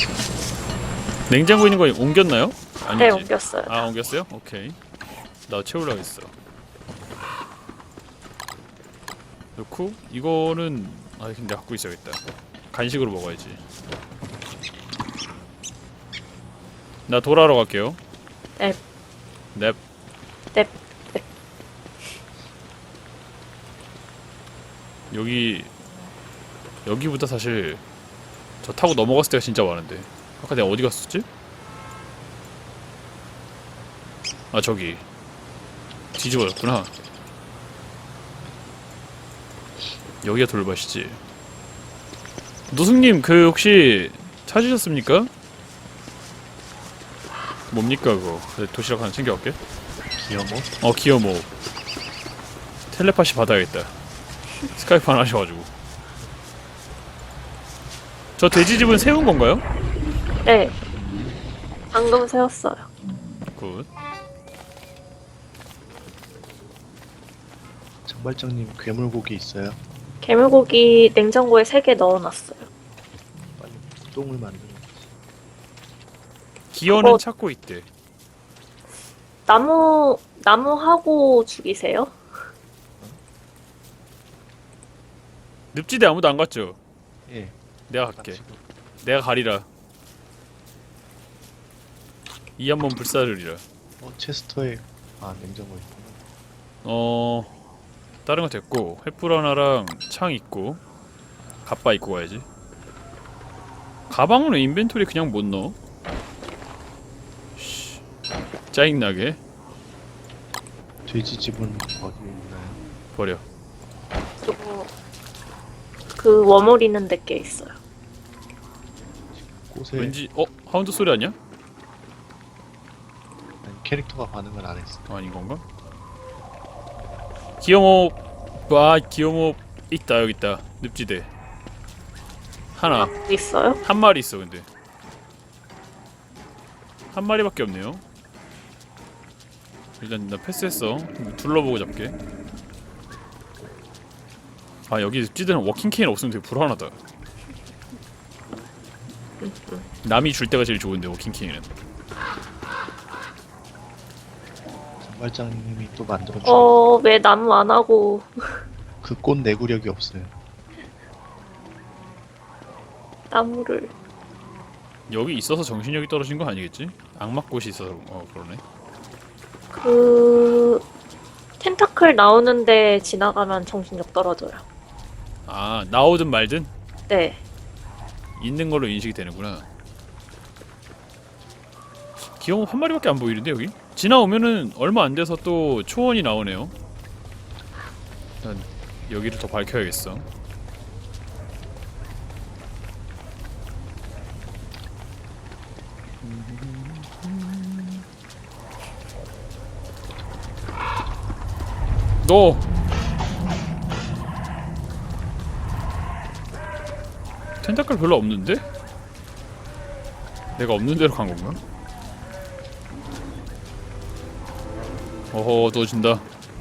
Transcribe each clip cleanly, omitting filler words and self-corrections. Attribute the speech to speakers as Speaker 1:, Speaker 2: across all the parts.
Speaker 1: 냉장고에 있는 거 옮겼나요? 아니지?
Speaker 2: 네, 옮겼어요.
Speaker 1: 아, 옮겼어요? 오케이. 나 채우려고 했어. 넣고 이거는 근데 갖고 있어야겠다. 간식으로 먹어야지. 나 돌아러 갈게요.
Speaker 2: 넵.
Speaker 1: 넵.
Speaker 2: 넵.
Speaker 1: 여기보다 사실 저 타고 넘어갔을 때가 진짜 많은데. 아까 내가 어디 갔었지? 아, 저기 뒤집어졌구나. 여기가 돌밭이지. 노숙님, 그 혹시 찾으셨습니까? 뭡니까 그거? 도시락 하나 챙겨갈게.
Speaker 3: 기어모?
Speaker 1: 기어모. 텔레파시 받아야겠다. 스카이프 하나 하셔가지고. 저 돼지집은 세운 건가요?
Speaker 2: 네. 방금 세웠어요.
Speaker 1: 굿.
Speaker 3: 장발장님 괴물고기 있어요?
Speaker 2: 개물고기 냉장고에 3개 넣어놨어요.
Speaker 3: 빨리 똥을 만들어.
Speaker 1: 기어는
Speaker 2: 그거-
Speaker 1: 찾고 있대.
Speaker 2: 나무하고 죽이세요?
Speaker 1: 늪지대 아무도 안 갔죠?
Speaker 3: 예.
Speaker 1: 내가 갈게.
Speaker 3: 가지고.
Speaker 1: 내가 가리라. 이 한번 불사르리라.
Speaker 3: 체스터에 냉장고에 있구나.
Speaker 1: 다른 거 됐고 횃불 하나랑 창 있고 갑바 입고 가야지. 가방은 왜 인벤토리 그냥 못 넣어? 씨, 짜증나게.
Speaker 3: 돼지집은 어디에 있나요?
Speaker 1: 버려.
Speaker 2: 그리고 그 워몰 있는 데께 있어요.
Speaker 3: 꽃에
Speaker 1: 왠지 하운드 소리 아니야?
Speaker 3: 아니, 캐릭터가 반응을 안 했어.
Speaker 1: 아닌 건가? 기어몹 있다. 여기 있다. 늪지대 하나.
Speaker 2: 있어요?
Speaker 1: 한 마리 있어. 근데 한 마리밖에 없네요. 일단 나 패스했어. 둘러보고 잡게. 여기 늪지대는 워킹 케인 없으면 되게 불안하다. 남이 줄 때가 제일 좋은데 워킹 케인은.
Speaker 3: 장발장님이 또 만들어 주.
Speaker 2: 왜 나무 안 하고.
Speaker 3: 그 꽃 내구력이 없어요.
Speaker 2: 나무를.
Speaker 1: 여기 있어서 정신력이 떨어진 거 아니겠지? 악마꽃이 있어서 그러네.
Speaker 2: 텐타클 나오는데 지나가면 정신력 떨어져요.
Speaker 1: 나오든 말든
Speaker 2: 네.
Speaker 1: 있는 걸로 인식이 되는구나. 기어몹 한 마리밖에 안 보이는데 여기? 지나오면은 얼마 안 돼서 또 초원이 나오네요. 일단 여기를 더 밝혀야겠어. 너 텐타클 별로 없는데? 내가 없는 데로 간 건가? 누워진다.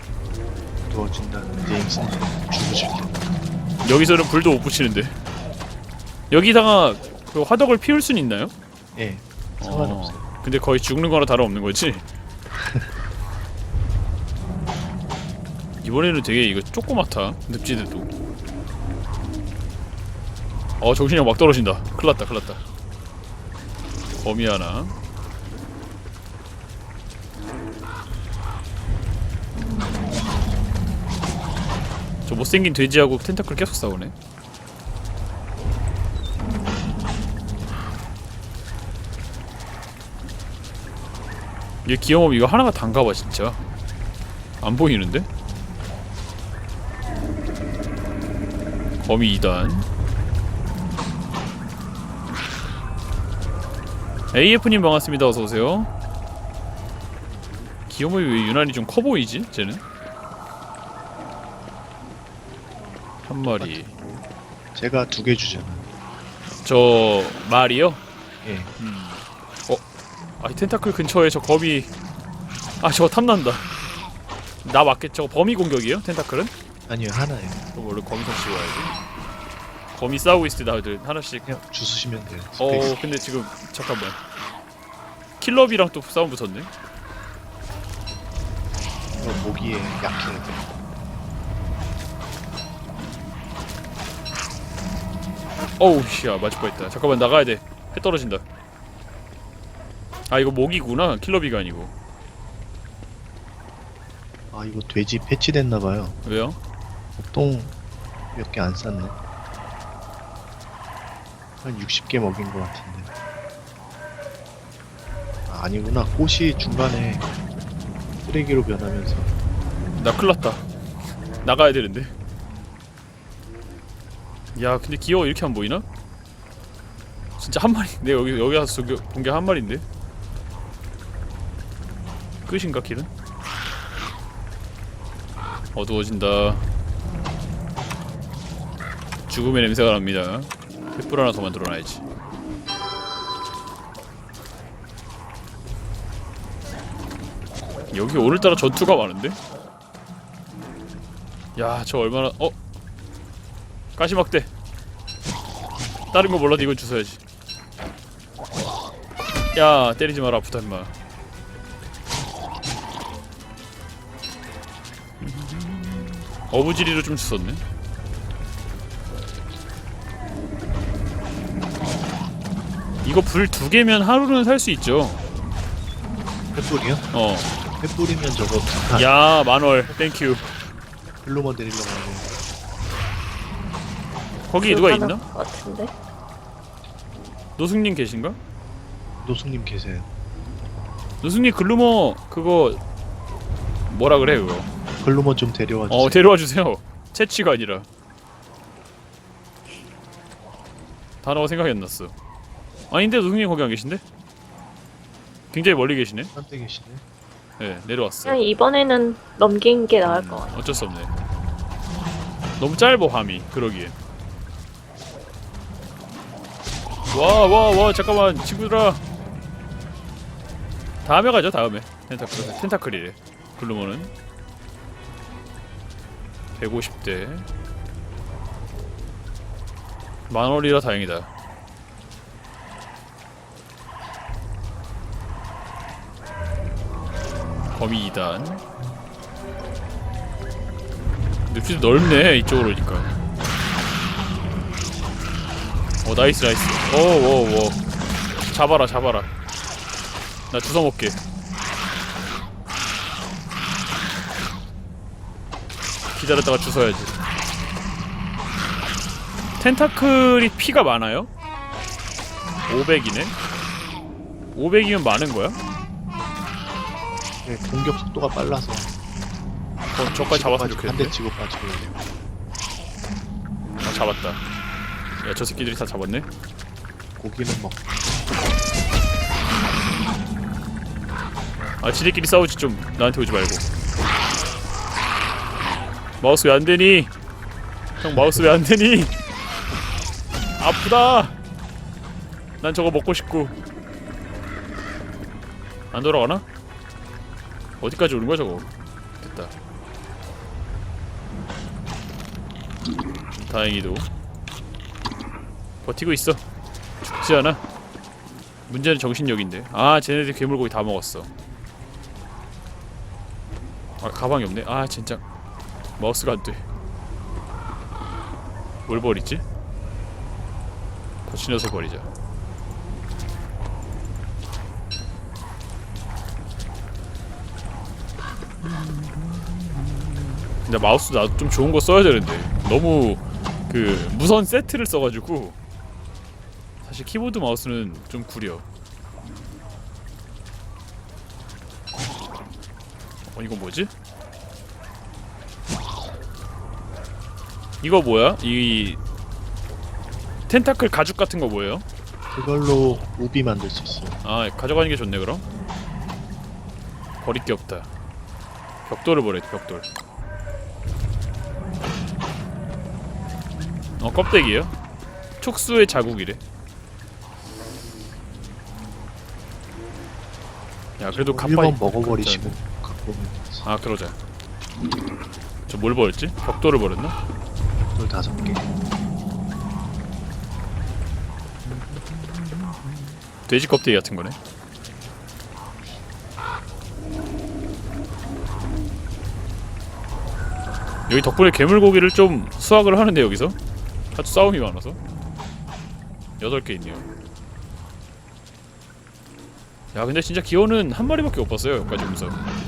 Speaker 3: 누워진다는 제임스는 죽으실 텐데.
Speaker 1: 여기서는 불도 못 붙이는데. 여기다가 그 화덕을 피울 순 있나요?
Speaker 3: 예. 상관없어요.
Speaker 1: 근데 거의 죽는 거나 다름없는 거지? 이번에는 되게 이거 조그맣다. 늪지대도. 정신력 막 떨어진다. 큰일났다. 거미 하나. 저 못생긴 돼지하고 텐타클 계속 싸우네. 얘 기어몹 이거 하나가 단가봐 진짜. 안 보이는데? 거미 2단. AF님 반갑습니다. 어서오세요. 기어몹이 왜 유난히 좀 커 보이지? 쟤는? 한 마리.
Speaker 3: 제가 2개 주잖아.
Speaker 1: 저 말이요?
Speaker 3: 예.
Speaker 1: 이 텐타클 근처에 저 거미. 저거 탐난다. 나 맞겠죠? 범위 공격이에요? 텐타클은?
Speaker 3: 아니요, 하나예요.
Speaker 1: 그럼 원래 거미선 치고 와야지. 거미 싸우고 있을 때 다들 하나씩.
Speaker 3: 그냥 주스시면 돼요. 스페이스.
Speaker 1: 근데 지금 잠깐만. 킬러비랑 또 싸움 붙었네.
Speaker 3: 모기에 약해야 돼.
Speaker 1: 어우 씨야 맞을 뻔했다. 잠깐만 나가야 돼. 해 떨어진다. 아 이거 모기구나. 킬러비가 아니고.
Speaker 3: 아 이거 돼지 패치됐나봐요.
Speaker 1: 왜요?
Speaker 3: 보통 몇 개 안 쌌네. 한 60개 먹인 것 같은데. 아, 아니구나. 꽃이 중간에 쓰레기로 변하면서.
Speaker 1: 나 큰일났다. 나가야 되는데. 야 근데 귀여워. 이렇게 안 보이나? 진짜 한 마리. 내가 여기 와서 본 게 한 마리인데. 끝인가 길은? 어두워진다. 죽음의 냄새가 납니다. 횃불 하나 더 만들어놔야지. 여기 오늘따라 전투가 많은데? 야, 저 얼마나 가시막대. 다른 거 몰라도 이건 주워야지. 야, 때리지 마라. 아프다 임마. 어부지리로 좀 주웠네. 이거 불 2개면 하루는 살 수 있죠.
Speaker 3: 횃불이요?
Speaker 1: 어.
Speaker 3: 횃불이면 저거
Speaker 1: 야, 만월. 땡큐.
Speaker 3: 글로만 내리려고 하네.
Speaker 1: 거기 누가 있나?
Speaker 2: 것 같은데.
Speaker 1: 노숙님 계신가?
Speaker 3: 노숙님 계세요.
Speaker 1: 노숙님 글루머 그거 뭐라 그래 그거?
Speaker 3: 글로만 좀 데려와 주세요.
Speaker 1: 데려와 주세요. 채취가 아니라. 단어가 생각이 안 났어. 아닌데 노숙님 거기 안 계신데? 굉장히 멀리 계시네.
Speaker 3: 한때 계시네.
Speaker 1: 네, 내려왔어.
Speaker 2: 그냥 이번에는 넘긴 게 나을 것 같아.
Speaker 1: 어쩔 수 없네. 너무 짧어 밤이. 그러기에. 와 잠깐만 친구들아. 다음에 가죠. 다음에. 텐타클이래. 글루머는 150대. 만원이라 다행이다. 거미 2단. 늪이 넓네 이쪽으로 오니까. 나이스. 오. 잡아라. 나 주워먹게. 기다렸다가 주워야지. 텐타클이 피가 많아요? 500이네? 500이면 많은 거야?
Speaker 3: 네, 공격 속도가 빨라서.
Speaker 1: 저까지 잡았으면 좋겠는데?
Speaker 3: 한대 치고 빠지고.
Speaker 1: 잡았다. 야, 저 새끼들이 다 잡았네?
Speaker 3: 고기는 먹.
Speaker 1: 지들끼리 싸우지 좀. 나한테 오지 말고. 마우스 왜 안되니? 형 마우스 왜 안되니? 아프다. 난 저거 먹고 싶고. 안 돌아가나? 어디까지 오는 거야 저거? 됐다. 다행히도 버티고 있어. 죽지 않아. 문제는 정신력인데. 쟤네들 괴물고기 다 먹었어. 가방이 없네. 진짜 마우스가 안 돼. 뭘 버리지? 거치려서 버리자. 근데 마우스 나도 좀 좋은 거 써야 되는데 너무 그 무선 세트를 써가지고 사실 키보드 마우스는 좀 구려. 이거 뭐지? 이거 뭐야? 이 텐타클 가죽 같은 거 뭐예요?
Speaker 3: 그걸로 우비 만들 수 있어요.
Speaker 1: 가져가는 게 좋네 그럼. 버릴 게 없다. 벽돌을 버려야 돼. 벽돌. 껍데기예요? 촉수의 자국이래. 야 그래도 갑바이
Speaker 3: 1번 먹어버리시고 갖고 오면 되지.
Speaker 1: 그러자. 저 뭘 버렸지? 벽돌을 버렸나?
Speaker 3: 별 5개.
Speaker 1: 돼지 껍데기 같은 거네. 여기 덕분에 괴물고기를 좀 수확을 하는데 여기서 아주 싸움이 많아서 8개 있네요. 야 근데 진짜 기어는 한 마리밖에 못 봤어요 여기까지 오면서.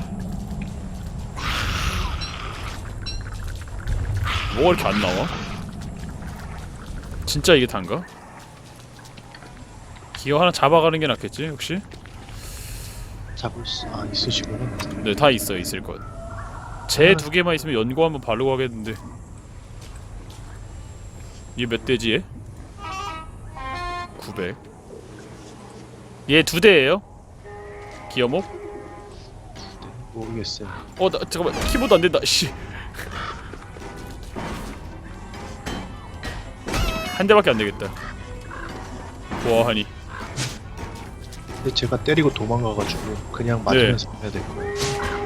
Speaker 1: 뭐가 이렇게 안 나와? 진짜 이게 단가? 기어 하나 잡아가는 게 낫겠지 혹시?
Speaker 3: 잡을 수 있으시구나.
Speaker 1: 네 다 있어요 있을 것. 제 2개만 있으면 연고 한번 바르고 가겠는데. 얘 몇 대지 얘? 900. 얘 2대예요? 기어목?
Speaker 3: 모르겠어요.
Speaker 1: 나 잠깐만 키보드 안 된다. 씨. 한 대밖에 안 되겠다. 보아하니.
Speaker 3: 근데 제가 때리고 도망가가지고 그냥 맞으면서 해야 될 거예요.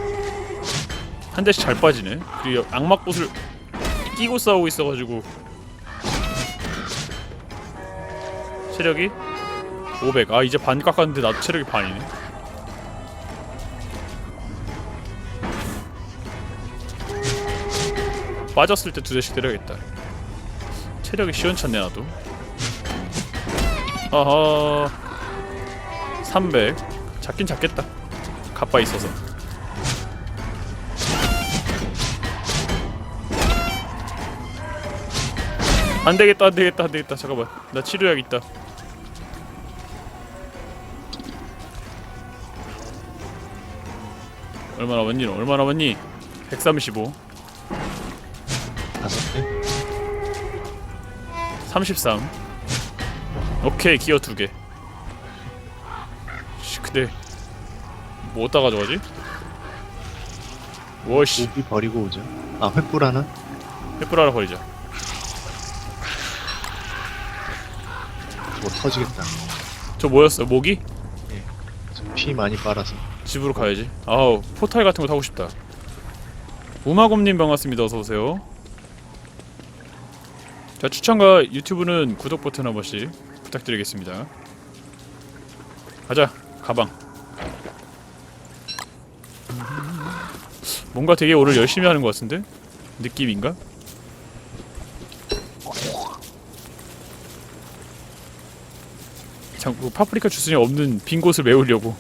Speaker 1: 한 대씩 잘 빠지네. 그리고 악마꽃을 끼고 싸우고 있어가지고 체력이 500. 아 이제 반 깎았는데 나도 체력이 반이네. 빠졌을 때 2대씩 때려야겠다. 체력이 시원찮네 나도. 아하 300. 작긴 작겠다 갑바 있어서. 안되겠다 안되겠다 안되겠다. 잠깐만 나 치료약있다. 얼마나 왔니 너? 얼마나 왔니? 135
Speaker 3: 5대?
Speaker 1: 33. 오케이 기어 2개. 씨 근데 뭐 어디다 가져가지? 워씨
Speaker 3: 우비 버리고 오죠. 횃불 하나?
Speaker 1: 횃불 하나 버리자.
Speaker 3: 뭐 터지겠다.
Speaker 1: 저 뭐였어? 모기?
Speaker 3: 좀 피 많이 빨아서.
Speaker 1: 집으로 가야지. 아우 포탈 같은 거 타고 싶다. 우마곰님 반갑습니다. 어서오세요. 자 추천과 유튜브는 구독 버튼 한 번씩 부탁드리겠습니다. 가자 가방. 뭔가 되게 오늘 열심히 하는 것 같은데? 느낌인가? 자꾸 파프리카 주스에 없는 빈 곳을 메우려고.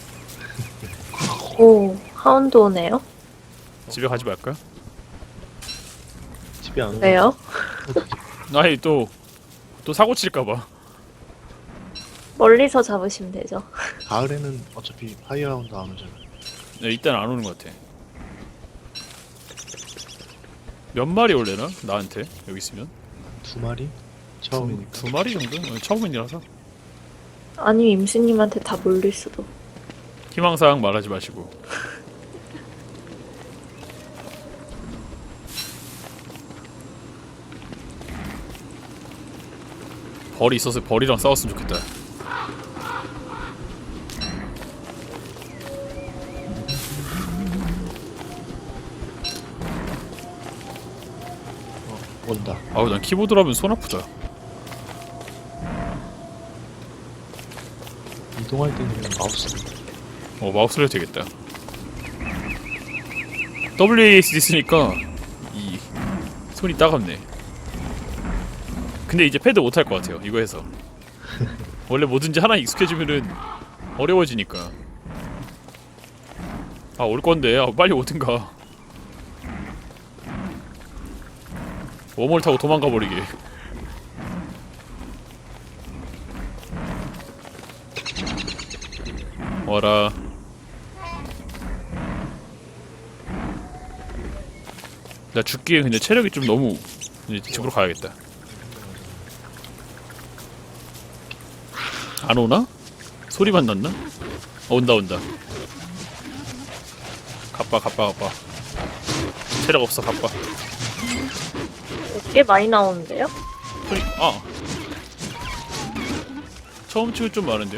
Speaker 2: 오, 하운드 오네요.
Speaker 1: 집에 가지 말까?
Speaker 3: 집에 안 오면
Speaker 2: 왜요?
Speaker 1: 아니 또 사고 칠까봐.
Speaker 2: 멀리서 잡으시면 되죠.
Speaker 3: 가을에는 어차피 파이어라운드 안 오잖아.
Speaker 1: 네, 일단 안 오는 것 같아. 몇 마리 올래나? 나한테 여기 있으면
Speaker 3: 2마리? 처음이니까.
Speaker 1: 2마리 정도? 처음이라서
Speaker 2: 아니면 임수님한테 다 몰릴 수도.
Speaker 1: 희망사항 말하지 마시고. 벌이 있어서 벌이랑 싸웠으면 좋겠다.
Speaker 3: 온다.
Speaker 1: 아우 난 키보드로 하면 손 아프다.
Speaker 3: 이동할 때는 그냥 마우스.
Speaker 1: 마우스로 해도 되겠다. WASD 쓰니까 이 손이 따갑네. 근데 이제 패드 못 할 것 같아요 이거 해서. 원래 뭐든지 하나 익숙해지면은 어려워지니까. 아 올 건데 빨리 오든가. 웜홀 타고 도망가 버리게. 와라. 나 죽기에 근데 체력이 좀 너무. 이제 집으로 가야겠다. 안 오나? 소리만 났나? 온다 온다. 갑바. 체력 없어 갑바.
Speaker 2: 꽤 많이 나오는데요?
Speaker 1: 소리 처음 치고 좀 많은데요?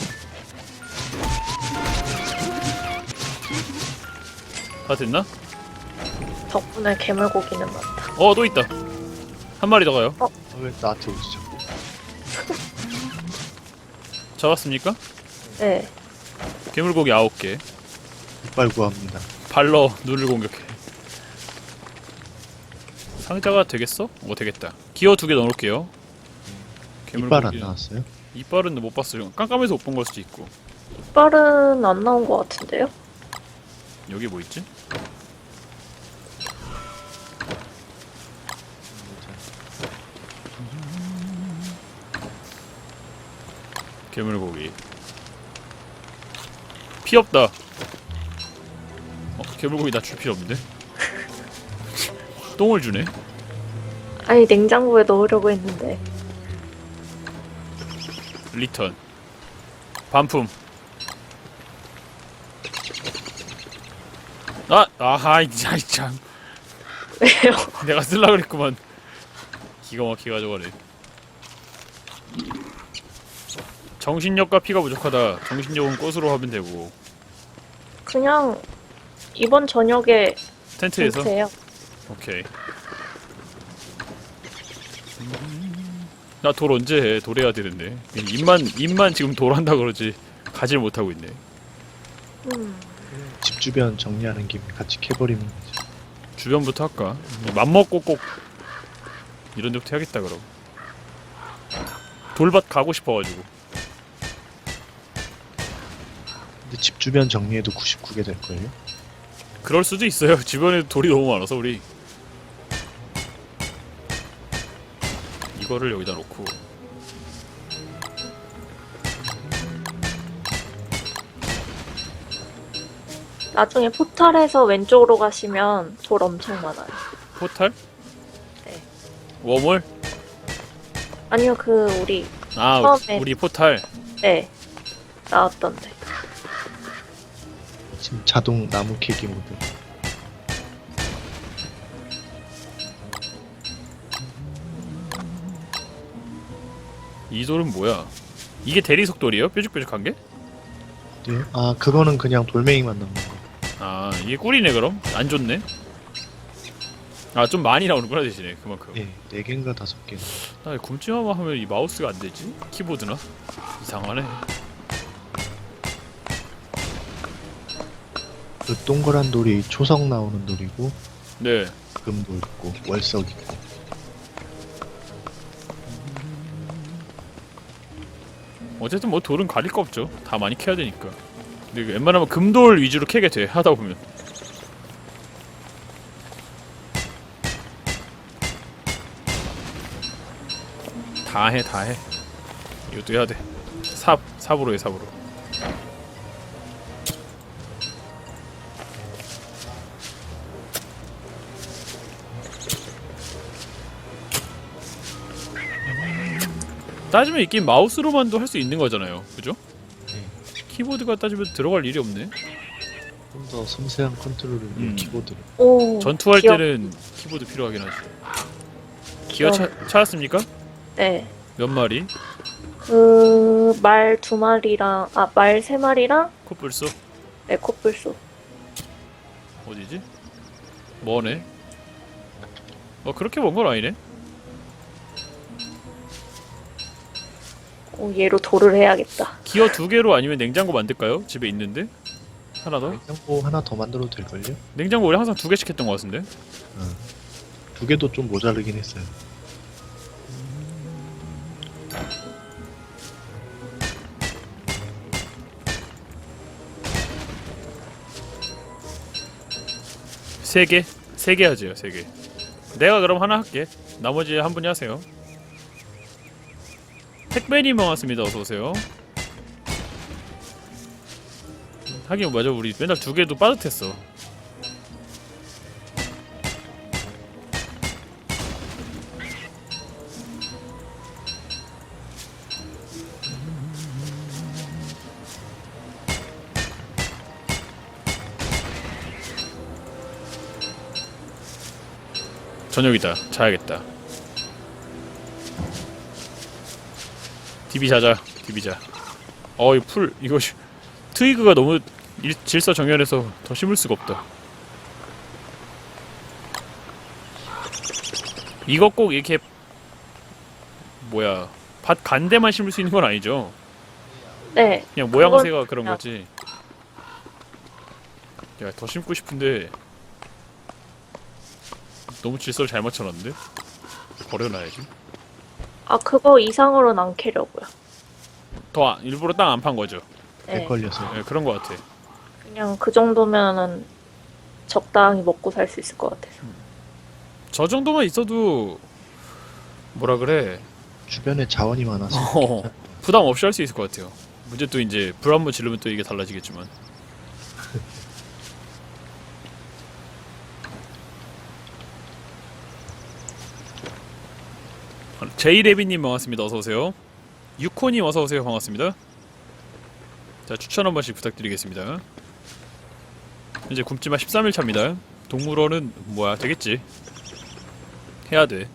Speaker 1: 다 됐나?
Speaker 2: 덕분에 괴물고기는 많다.
Speaker 1: 또 있다. 한 마리 더 가요.
Speaker 3: 왜 나한테 오지 자꾸?
Speaker 1: 잡았습니까?
Speaker 2: 네.
Speaker 1: 괴물고기 9개.
Speaker 3: 이빨 구합니다.
Speaker 1: 발로 눈을 공격해. 상자가 되겠어? 되겠다. 기어 2개 넣어놓을게요.
Speaker 3: 이빨 안 나왔어요?
Speaker 1: 이빨은 못 봤어요. 깜깜해서 못 본 걸 수도 있고.
Speaker 2: 이빨은 안 나온 것 같은데요?
Speaker 1: 여기 뭐 있지? 괴물고기. 피 없다. 괴물고기 나 줄 필요 없는데? 똥을 주네.
Speaker 2: 아니 냉장고에 넣으려고 했는데.
Speaker 1: 리턴. 반품. 아하이 참.
Speaker 2: 왜요?
Speaker 1: 내가 쓸라 그랬구만. 기가 막히게 가져가네. 정신력과 피가 부족하다. 정신력은 꽃으로 하면 되고.
Speaker 2: 그냥 이번 저녁에
Speaker 1: 텐트에서?
Speaker 2: 텐트예요.
Speaker 1: 오케이. 나 돌 언제 해? 돌 해야 되는데. 입만 지금 돌 한다 그러지. 가지를 못하고 있네.
Speaker 3: 집 주변 정리하는 김에 같이 캐버리면 되죠.
Speaker 1: 주변부터 할까? 맘먹고 꼭 이런 데부터 해야겠다 그럼. 돌밭 가고 싶어가지고.
Speaker 3: 근데 집 주변 정리해도 99개 될걸요?
Speaker 1: 그럴 수도 있어요. 주변에 돌이 너무 많아서 우리. 이거를 여기다 놓고.
Speaker 2: 나중에 포탈에서 왼쪽으로 가시면 돌 엄청 많아요.
Speaker 1: 포탈?
Speaker 2: 네.
Speaker 1: 워몰?
Speaker 2: 아니요 그 우리 처음에.
Speaker 1: 우리 포탈.
Speaker 2: 네 나왔던데.
Speaker 3: 지금 자동 나무 캐기 모드.
Speaker 1: 이 돌은 뭐야? 이게 대리석 돌이에요? 뾰족뾰족한 게?
Speaker 3: 네. 아 그거는 그냥 돌멩이만 넣는 거.
Speaker 1: 아 이게 꿀이네 그럼? 안 좋네? 아 좀 많이 나오는구나 대신에 그만큼.
Speaker 3: 예, 4개인가 5개.
Speaker 1: 나 왜 굶지마마 하면 이 마우스가 안 되지? 키보드나? 이상하네.
Speaker 3: 그 동그란 돌이 초석 나오는 돌이고
Speaker 1: 네.
Speaker 3: 금도 있고 월석 있고.
Speaker 1: 어쨌든 뭐 돌은 가릴 거 없죠. 다 많이 캐야 되니까. 근데 웬만하면 금돌 위주로 캐게 돼 하다 보면. 다 해. 이것도 해야 돼. 삽으로 해 삽으로. 따지면 이 게임 마우스로만도 할 수 있는 거잖아요. 그죠? 키보드가 따지면 들어갈 일이 없네.
Speaker 3: 좀 더 섬세한 컨트롤을 위해 키보드를.
Speaker 2: 오.
Speaker 1: 전투할
Speaker 2: 귀엽-
Speaker 1: 때는 키보드 필요하긴 하죠. 기어 찾았습니까?
Speaker 2: 네.
Speaker 1: 몇 마리?
Speaker 2: 그 말 2마리랑 말 3마리랑
Speaker 1: 코뿔소?
Speaker 2: 네 코뿔소.
Speaker 1: 어디지? 뭐네? 그렇게 먼 건 아니네?
Speaker 2: 오 얘로 돌을 해야겠다.
Speaker 1: 기어 2개로 아니면 냉장고 만들까요? 집에 있는데? 하나 더?
Speaker 3: 냉장고 하나 더 만들어도 될걸요?
Speaker 1: 냉장고 우리 항상 2개씩 했던 것 같은데?
Speaker 3: 2개도 좀 모자르긴 했어요.
Speaker 1: 세 개? 3개 하지요, 3개. 내가 그럼 하나 할게. 나머지 한 분이 하세요. 택배님 반갑습니다. 어서오세요. 하긴 맞아, 우리 맨날 2개도 빠듯했어. 저녁이다. 자야겠다. DB 자자. DB 자. 이 풀 이거 트위그가 너무 질서정연해서 더 심을 수가 없다. 이거 꼭 이렇게 뭐야 밭 간대만 심을 수 있는 건 아니죠?
Speaker 2: 네.
Speaker 1: 그냥 모양새가
Speaker 2: 그건
Speaker 1: 그런
Speaker 2: 그냥-
Speaker 1: 거지. 야, 더 심고 싶은데 너무 질서를 잘 맞춰놨는데? 버려놔야지.
Speaker 2: 아, 그거 이상으로는 안 캐려고요.
Speaker 1: 일부러 땅 안 판 거죠.
Speaker 2: 네.
Speaker 3: 걸려서.
Speaker 1: 네, 그런 거 같아.
Speaker 2: 그냥 그 정도면은 적당히 먹고 살 수 있을 것 같아서.
Speaker 1: 저 정도만 있어도 뭐라 그래?
Speaker 3: 주변에 자원이 많아서.
Speaker 1: 부담 없이 할 수 있을 것 같아요. 문제 또 이제 불 한 번 지르면 또 이게 달라지겠지만. 제이레비님 반갑습니다. 어서 오세요. 유코님 어서 오세요. 반갑습니다. 자, 추천 한 번씩 부탁드리겠습니다. 이제 굶지마 13일 차입니다. 동물원은 뭐야 되겠지. 해야 돼.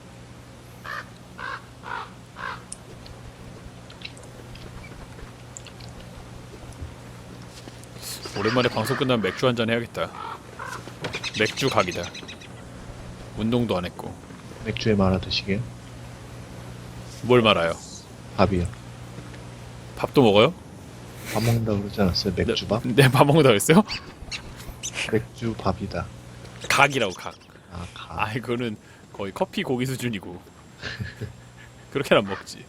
Speaker 1: 오랜만에 방송 끝나면 맥주 한잔 해야겠다. 맥주 각이다. 운동도 안 했고.
Speaker 3: 맥주에 말아 드시게요?
Speaker 1: 뭘 말아요?
Speaker 3: 밥이요.
Speaker 1: 밥도 먹어요?
Speaker 3: 밥 먹는다고 그러지 않았어요? 맥주밥?
Speaker 1: 네, 밥 먹는다 그랬어요?
Speaker 3: 맥주 밥이다.
Speaker 1: 각이라고 각.
Speaker 3: 아, 가.
Speaker 1: 아, 이거는 거의 커피 고기 수준이고. 그렇게는 안 먹지.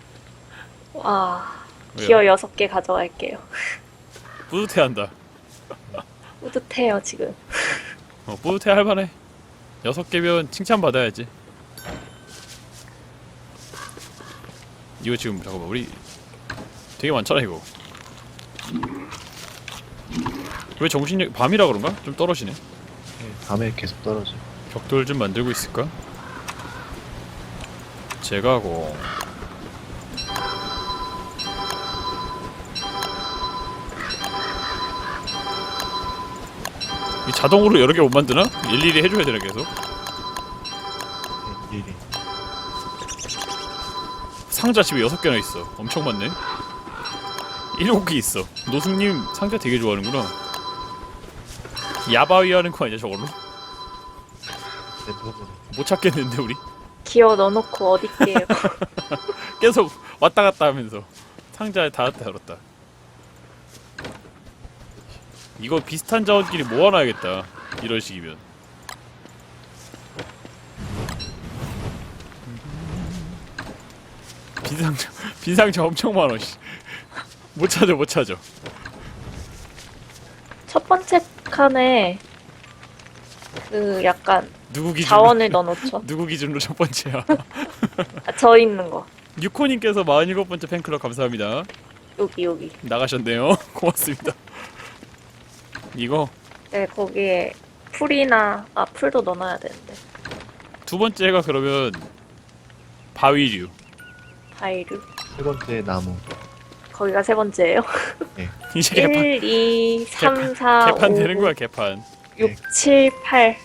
Speaker 2: 와,
Speaker 1: 왜요?
Speaker 2: 기어 6개 가져갈게요.
Speaker 1: 뿌듯해한다.
Speaker 2: 뿌듯해요, 지금.
Speaker 1: 뿌듯해 할만해. 6개면 칭찬받아야지. 이거 지금 잠깐만 우리 되게 많잖아 이거. 왜 정신력 밤이라 그런가? 좀 떨어지네.
Speaker 3: 네, 밤에 계속 떨어져.
Speaker 1: 벽돌 좀 만들고 있을까? 제가고 이 자동으로 여러 개 못 만드나? 일일이 해줘야 되나 계속?
Speaker 3: 네, 일일이.
Speaker 1: 상자 집에 6개나 있어. 엄청 많네. 7개 있어. 노숙님 상자 되게 좋아하는구나. 야바위 하는 거 아니야 저걸로?
Speaker 3: 랜덤으로.
Speaker 1: 못 찾겠는데 우리?
Speaker 2: 기어 넣어놓고 어딨게요.
Speaker 1: 계속 왔다 갔다 하면서 상자에 닫았다 열었다. 이거 비슷한 자원끼리 모아놔야겠다. 이런 식이면. 빈상자 엄청 많아. 씨. 못 찾아 못 찾아.
Speaker 2: 첫 번째 칸에 그 약간
Speaker 1: 누구 기준으로?
Speaker 2: 자원을 넣어놓죠.
Speaker 1: 누구 기준으로 첫 번째야?
Speaker 2: 아, 저 있는 거.
Speaker 1: 유코님께서 47번째 팬클럽 감사합니다.
Speaker 2: 여기.
Speaker 1: 나가셨네요. 고맙습니다. 이거
Speaker 2: 네, 거기에 풀도 넣어놔야 되는데.
Speaker 1: 두 번째가 그러면 바위류.
Speaker 2: 바이류.
Speaker 3: 세 번째 나무.
Speaker 2: 거기가 세 번째예요.
Speaker 1: 이제 개판
Speaker 2: 1, 2, 3, 4,
Speaker 1: 개판
Speaker 2: 5,
Speaker 1: 되는 거야 개판.
Speaker 2: 6, 7, 8.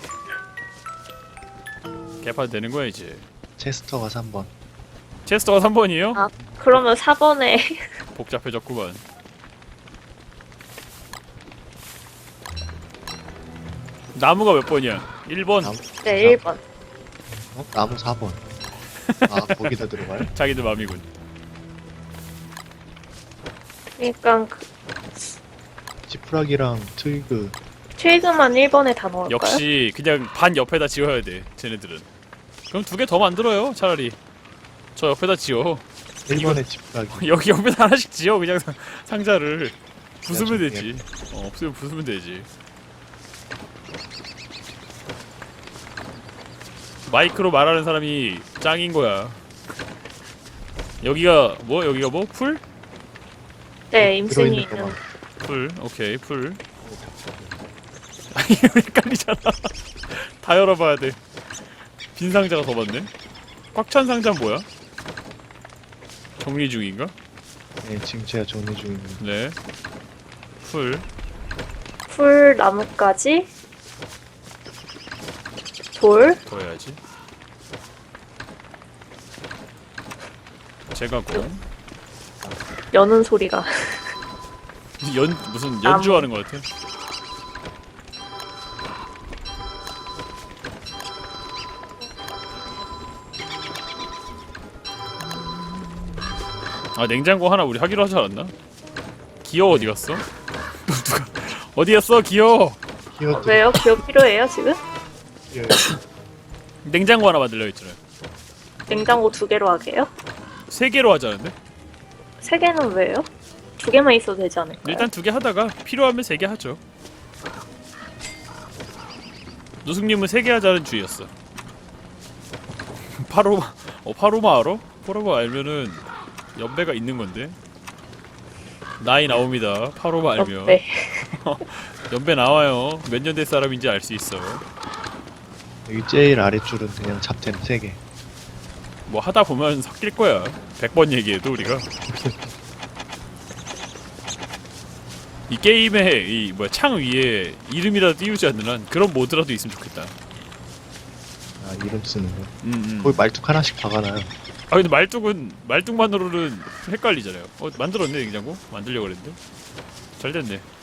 Speaker 1: 개판 되는 거야 이제.
Speaker 3: 체스터가 3번.
Speaker 1: 체스터가 3번이에요?
Speaker 2: 아, 그러면 4번에
Speaker 1: 복잡해졌구만. 나무가 몇 번이야? 1번.
Speaker 3: 나무,
Speaker 2: 네, 1번.
Speaker 3: 나무 4번. 아, 거기다 들어가요?
Speaker 1: 자기들 맘이군.
Speaker 2: 그러니까
Speaker 3: 지푸라기랑 트위그.
Speaker 2: 트위그만 1번에 다 넣을까요?
Speaker 1: 역시 그냥 반 옆에다 지어야 돼. 쟤네들은. 그럼 2개 더 만들어요. 차라리. 저 옆에다 지어.
Speaker 3: 1번에 지푸라기.
Speaker 1: 여기 옆에다 하나씩 지어. 그냥 상자를 부수면
Speaker 3: 나중에.
Speaker 1: 되지. 없으면 부수면 되지. 마이크로 말하는 사람이 짱인 거야. 여기가 뭐? 여기가 뭐? 풀?
Speaker 2: 네, 임순이
Speaker 3: 들어있는
Speaker 2: 있는.
Speaker 3: 거만.
Speaker 1: 풀. 오케이, 풀. 아니, 헷갈리잖아. 다 열어봐야 돼. 빈 상자가 더 많네. 꽉 찬 상자는 뭐야? 정리 중인가?
Speaker 3: 네, 지금 제가 정리 중입니다.
Speaker 1: 네.
Speaker 2: 풀 나무까지 돌.
Speaker 1: 더 해야지. 제가 공.
Speaker 2: 여는 소리가.
Speaker 1: 무슨 연주하는 것 같아. 아 냉장고 하나 우리 하기로 하지 않았나? 기어 어디 갔어? 누가 어디 갔어 기어?
Speaker 3: 히어드.
Speaker 2: 왜요? 기업 필요해요 지금?
Speaker 3: 예.
Speaker 1: 냉장고 하나 만들려 했잖아요.
Speaker 2: 냉장고 2개로 하게요?
Speaker 1: 3개로 하자는데?
Speaker 2: 3개는 왜요? 2개만 있어도 되지 않을까요?
Speaker 1: 일단 2개 하다가 필요하면 3개 하죠. 노숙님은 3개 하자는 주의였어. 파로마 파로마 알아? 파로마 알면은 연배가 있는 건데. 나이 나옵니다. 파로마 알면.
Speaker 2: 네.
Speaker 1: 연배 나와요. 몇 년 된 사람인지 알 수 있어.
Speaker 3: 여기 제일 아래줄은 그냥 잡템 3개.
Speaker 1: 뭐 하다 보면 섞일 거야. 100번 얘기해도 우리가. 이 게임에 이 뭐야 창 위에 이름이라도 띄우지 않는 한 그런 모드라도 있으면 좋겠다.
Speaker 3: 아, 이름 쓰는 거. 거기 말뚝 하나씩 박아놔요.
Speaker 1: 아 근데 말뚝만으로는 헷갈리잖아요. 만들었네 냉장고? 만들려고 그랬는데 잘 됐네.